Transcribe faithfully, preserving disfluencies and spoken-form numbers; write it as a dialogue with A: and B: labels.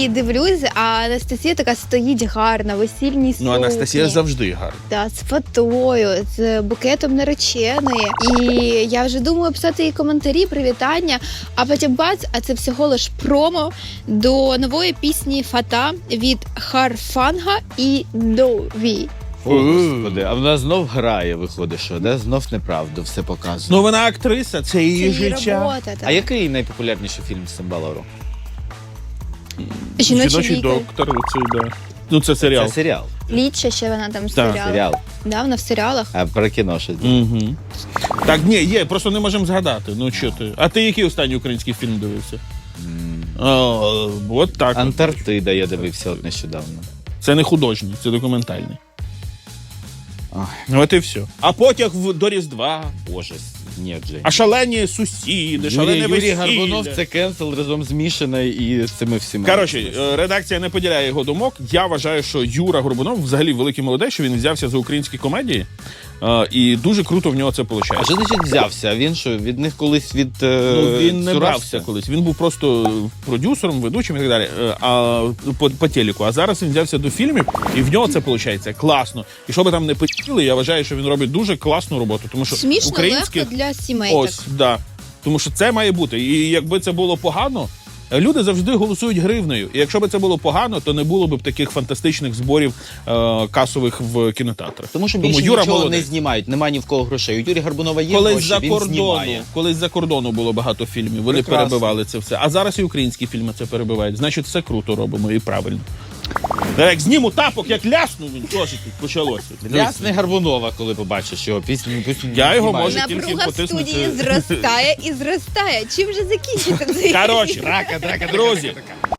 A: дивлюсь, а Анастасія така стоїть гарна, весільній сукні.
B: Ну, Анастасія завжди гарна.
A: Да, з фатою, з букетом нареченої. І я вже думаю писати їй коментарі, привітання, а потім бац, а це всього лиш промо до нової пісні «Фата» від Харфанга і Дові.
C: О, Господи, а вона знов грає, виходить, що, да? Знов неправду все показує.
B: Ну, вона актриса, це її
A: Це її
B: життя.
A: робота. Так.
C: А який найпопулярніший фільм з Цимбалару?
A: «Жіночий
B: Жіночий
A: лікар».
B: доктор, оцей, да. Ну, це серіал.
C: Це серіал.
A: Ліча ще вона там
B: Так.
A: серіал.
C: Серіал.
A: Да, вона в серіалах.
C: А про кіно щось.
B: Угу. Так, ні, є, просто не можемо згадати. Ну, що ти? А ти який останній український фільм дивився? О, от так.
C: Антарктида я дивився от нещодавно.
B: Це не художній, це документальний.
C: Ой.
B: От і все. А потяг в- до Різдва.
C: Боже, ні, Джей.
B: А шалені сусіди, шалене
C: Юрій, Юрій Гарбунов
B: весілля.
C: це кенсел разом з Мішиною і з цими всіма.
B: Коротше, е, редакція не поділяє його думок. Я вважаю, що Юра Горбунов взагалі великий молодець, що він взявся за українські комедії. Е, і дуже круто в нього це
C: А
B: виходить.
C: що значить взявся? Він що, від них колись від е,
B: Ну, він не
C: цурався?
B: брався колись. Він був просто продюсером, ведучим і так далі. Е, А по, по телеку. А зараз він взявся до фільмів, і в нього це виходить класно. І що би там не хотіли, я вважаю, що він робить дуже класну роботу. Тому що
A: Смішно,
B: українське
A: легко для сімей.
B: ось да. Тому що це має бути. І якби це було погано. Люди завжди голосують гривнею. І якщо б це було погано, то не було б таких фантастичних зборів е, касових в кінотеатрах.
C: Тому що більше
B: Юра
C: нічого
B: молодець.
C: не знімають, нема ні в кого грошей. У Юрія Гарбунова є
B: Колись
C: гроші,
B: за
C: він
B: кордону,
C: знімає.
B: колись за кордону було багато фільмів. Вони
C: Прекрасно.
B: перебивали це все. А зараз і українські фільми це перебивають. Значить, все круто робимо і правильно. Та як зніму тапок, як лясну, він теж тут почалося.
C: Ясне Гарбунова, коли побачиш його пісню. пісню
B: Я його
C: знімає.
B: можу тільки
A: Напруга в
B: потиснути.
A: студії зростає і зростає. Чим же закінчити цей
B: Коротше,
C: Драка, драка,
B: друзі,
C: драка, драка.